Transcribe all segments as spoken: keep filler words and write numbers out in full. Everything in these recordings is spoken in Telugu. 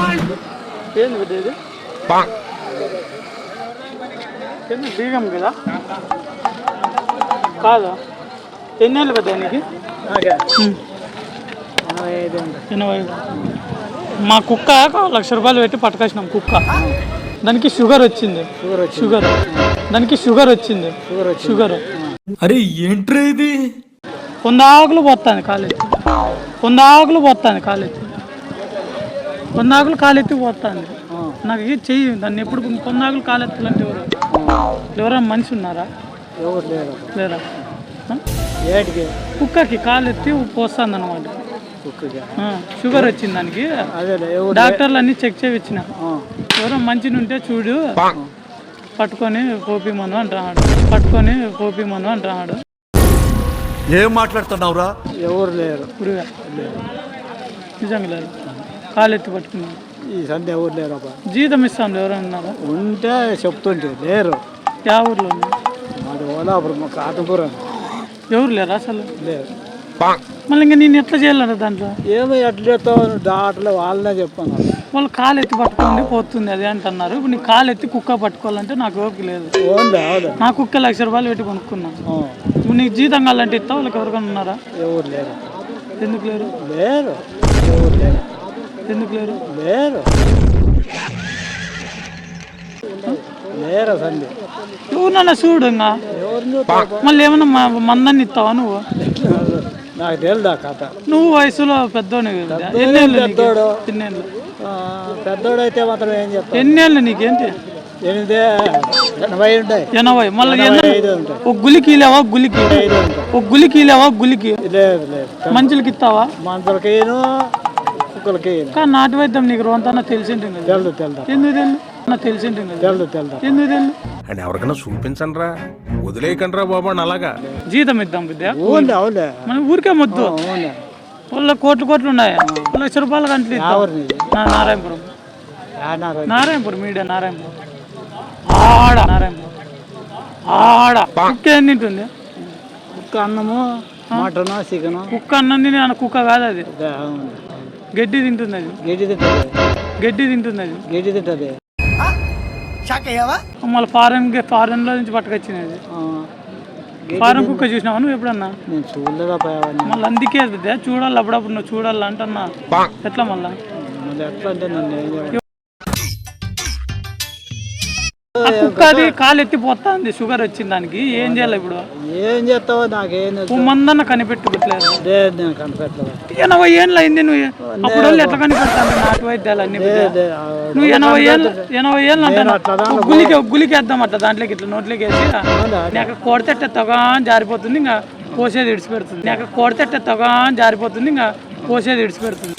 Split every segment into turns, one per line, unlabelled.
ఏంది పెద్ద ఇది కింద బీగం కదా కాదు ఎన్నేళ్ళు పెద్ద నీకు ఎనభై మా కుక్క లక్ష రూపాయలు పెట్టి పట్టుకొచ్చినాం కుక్క దానికి షుగర్ వచ్చింది షుగర్ దానికి షుగర్ వచ్చింది షుగర్
అరే ఏంట్రా ఇది
కొందాకులు పోతాను కాలేజ్ కొందాకులు పోతాను కాలేజ్ కొందాకులు కాలెత్తి పోతాను నాకు ఇది చెయ్యి దాన్ని ఎప్పుడు కొందాకులు కాలెత్తాలంటే ఎవరు ఎవరైనా మనిషి ఉన్నారా
ఎవరు లేరు
లేరా
ఏటికి
కుక్కకి కాలెత్తి పోస్తుంది అనమాట షుగర్ వచ్చింది దానికి డాక్టర్లు అన్ని చెక్ చేయించిన ఎవరో మంచిగా ఉంటే చూడు పట్టుకొని పోపి మందు అంటున్నాడు పట్టుకొని పోపి మందు అంటున్నాడు
ఏం మాట్లాడుతున్నావురా
ఎవరు లేరు
పురుగా నిజంగా లేదు కాలెత్తి పట్టుకున్నాను
ఈ సంధ్య ఎవరు లేరు అబ్బా
జీతం ఇస్తాను ఎవరైనా ఉన్నారా
ఉంటే చెప్తుంటే లేరు
యా ఊర్లో
మాది ఓలాపురం మా కాటపురం
ఎవరు లేరా అసలు
లేరు
మళ్ళీ ఇంకా నేను ఎట్లా చేయాలరా దాంట్లో
ఏమో ఎట్లా డాక్టర్లు వాళ్ళనే చెప్పాను
వాళ్ళు కాలు ఎత్తి పట్టుకోండి పోతుంది అదే అంటున్నారు ఇప్పుడు నీ కాలు ఎత్తి కుక్క పట్టుకోవాలంటే నాకు ఓపిక లేదు నా కుక్క లక్ష రూపాయలు పెట్టి కొనుక్కున్నాను ఇప్పుడు నీకు జీతం కావాలంటే ఇస్తావు వాళ్ళకి ఎవరికైనా ఉన్నారా
ఎవరు లేరు
ఎందుకు లేరు
లేరు ఎవరు లేరు
ఎందుకు లేరు
లేరు లేరు సంధ్య
ఎవరినన్నా చూడు ఇంకా మళ్ళీ ఏమన్నా మందాన్ని ఇస్తావా నువ్వు
నాకు తెలుదా కథ
నువ్వు వయసులో పెద్దోని ఎన్నేళ్ళు
పెద్దోడు
ఎన్నేళ్ళు
పెద్దోడు అయితే మాత్రం ఏం చెప్తా
ఎన్నేళ్ళు నీకేంటి
ఎనిమిది ఎనభై ఉంటాయి
ఎనభై మళ్ళీ
ఐదు ఉంటాయి
ఒక గులికి లేవా గులికి ఒక గులికి లేవా గులికి
లేదు లేదు
మంచులకి ఇస్తావా
మంచులకేను కుక్కలకి
కానీ నాటు వైద్యం నీకు రోంతన్నా తెలిసింది
తెలుదు తెలుదు
ఎందుకు తెలు నాకు తెలిసింది
తెలుదు తెలుదు
ఎందుకు తెలు
అని ఎవరికైనా చూపించండి రా వదిలేయకండి రా బాబా అలాగా
జీతం ఇద్దాం విద్య
అవును అవులే
మన ఊరికే మొద్దు
అవునే
వాళ్ళ కోట్లు కోట్లు ఉన్నాయి లక్ష రూపాయల గంటలు ఇద్దాం నారాయణపురం నారాయణపురం మీడియా నారాయణపురం ఆడ నారాయణపురం ఆడ కుక్క ఏం తింటుంది
కుక్క అన్నము మటన్ చికెన్
కుక్క అన్నం తిని అన్న కుక్క కాదు అది గడ్డి తింటుంది అది
గడ్డి తింటుంది
గడ్డి తింటుంది అది
గడ్డి తింటుంది
మళ్ళీ ఫారెన్ ఫారెన్ లో నుంచి పట్టుకొచ్చినది ఫారెన్ కుక్క చూసినావా నువ్వు ఎప్పుడన్నా
నేను చూడలేదా
మళ్ళీ అందుకే చూడాలి అప్పుడప్పుడు నువ్వు చూడాలి అంటన్నా ఎట్లా మళ్ళా
మళ్ళీ ఎట్లా అంటే నన్ను
ఆ కుక్క అది కాలు ఎత్తిపోతుంది షుగర్ వచ్చింది దానికి ఏం చేయాలి ఇప్పుడు
ఏం చేస్తావో నాకేం
మందన్న కనిపెట్టుకోవట్లేదు
లేదు నేను కనిపెట్టలేదు
ఎనభై ఏళ్ళు అయింది నువ్వు అప్పుడు వాళ్ళు ఎట్లా కనిపెడతాను నాటు వైద్యాలు అన్ని నువ్వు ఎనభై ఏళ్ళు ఎనభై ఏళ్ళు అంటాను గులికి గులికి వేద్దాం అట్లా దాంట్లోకి ఇట్లా నోట్లోకి వేసి నాకు కొడతెట్టే తొగా జారిపోతుంది ఇంకా పోసేది ఇడిచిపెడుతుంది నాకు కొడతెట్టే తొగా జారిపోతుంది ఇంకా పోసేది ఇడిచిపెడుతుంది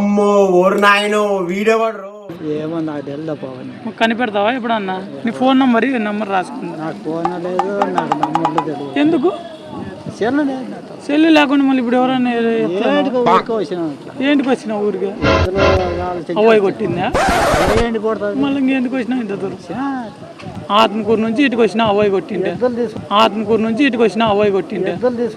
ఏమో నాకు తెలుదా పవన్
కనిపెడతావా ఎప్పుడన్నా నీ ఫోన్ నంబర్ నెంబర్ రాసుకుంది
నాకు ఫోన్ లేదు నాకు నంబర్లు తెలియదు
ఎందుకు
సెల్లు లేదు
సెల్లు లేకుండా మళ్ళీ ఇప్పుడు ఎవరైనా
వచ్చిన
ఏంటికి వచ్చినా ఊరికి అవ్వాయి కొట్టిందా
ఏంటి కొడతారు
మళ్ళీ ఇంకెందుకు వచ్చినా ఇంత దూరం ఆత్మకూరు నుంచి ఇటుకు వచ్చినా అవ్వాయి కొట్టింటే ఆత్మకూరు నుంచి ఇటుకు వచ్చినా అవ్వాయి కొట్టింటే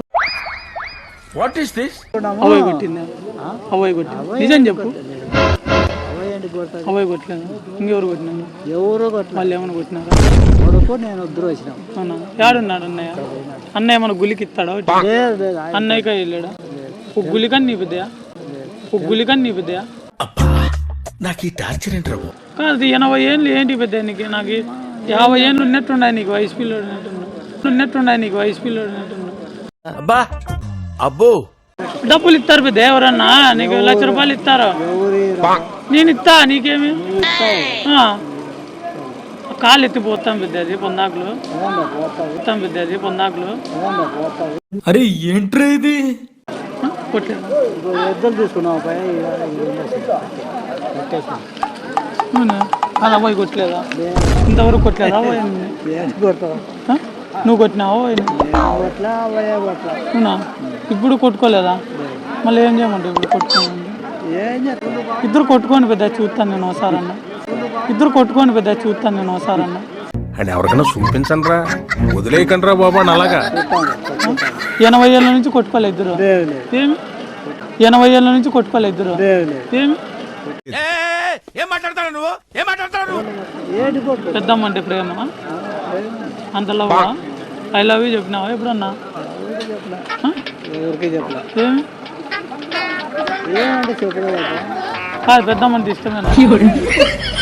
అవ్వాయి కొట్టిందా అవ్వాయి కొట్టింది నిజం చెప్పు అవ్వాయి కొట్టలేదు ఇంకెవరు కొట్టినారు
ఎవరో కొట్టిన
వాళ్ళు ఏమైనా కొట్టినారా
కొడుకు నేను వద్దరు వచ్చినాం
అవునా ఏడున్నాడు అన్నయ్య అన్నయ్య మన గులికి ఇస్తాడా అన్నయ్యక వెళ్ళాడా ఒక గులికని నీ పెద్దయా ఒక గులికని నీ పెద్దయా
నాకు ఈ టార్చర్ ఏంటి రాబు
కాదు ఎనభై ఏళ్ళు ఏంటి పెద్ద నీకు నాకు యాభై ఏళ్ళు ఉన్నట్టున్నాయి నీకు వయసు పిల్లడు ఉన్నట్టున్నాయి నీకు వయసు పిల్లడు
అబ్బా అబ్బో
డబ్బులు ఇస్తారు పెద్ద ఎవరన్నా నీకు లక్ష రూపాయలు ఇస్తారా నేను ఇస్తా నీకేమి కాలు ఎత్తిపోతాం పెద్ద అది పొందాకులు పోతాం పెద్ద అది పొందాకులు
అరే ఏంట్రా ఇది
కొట్టలేదు
ఎద్దలు తీసుకున్నావు
అది అవ్వాయి కొట్టలేదా ఇంతవరకు కొట్టలేదా
కొడతావు
నువ్వు కొట్టినావు అవునా ఇప్పుడు కొట్టుకోలేదా మళ్ళీ ఏం చేయమంటావు ఇప్పుడు కొట్టుకోండి ఇద్దరు కొట్టుకోండి పెద్ద చూస్తాను నేను ఒకసారి అన్న ఇద్దరు కొట్టుకోండి పెద్ద చూస్తాను నేను ఒకసారి అన్న
అని ఎవరికైనా చూపించండి రా వదిలేయకండి రా బాబా అలాగా
ఎనభై ఏళ్ళ నుంచి కొట్టుకోలే ఇద్దరు ఏమి ఎనభై ఏళ్ళ నుంచి కొట్టుకోలే ఇద్దరు ఏమి
ఏం మాట్లాడతాడు నువ్వు ఏం మాట్లాడతాడు నువ్వు
ఏంటి కొట్టు
పెద్దమ్మ అంటే ప్రేమ అంత లవ్ ఐ లవ్ యూ చెప్పినావా ఎప్పుడన్నా ఆ?
ఎవరికి చెప్పలే
ఏమి
ఏమంటే చెప్పలేదు
కాదు పెద్దమ్మ అంటే ఇష్టమేనా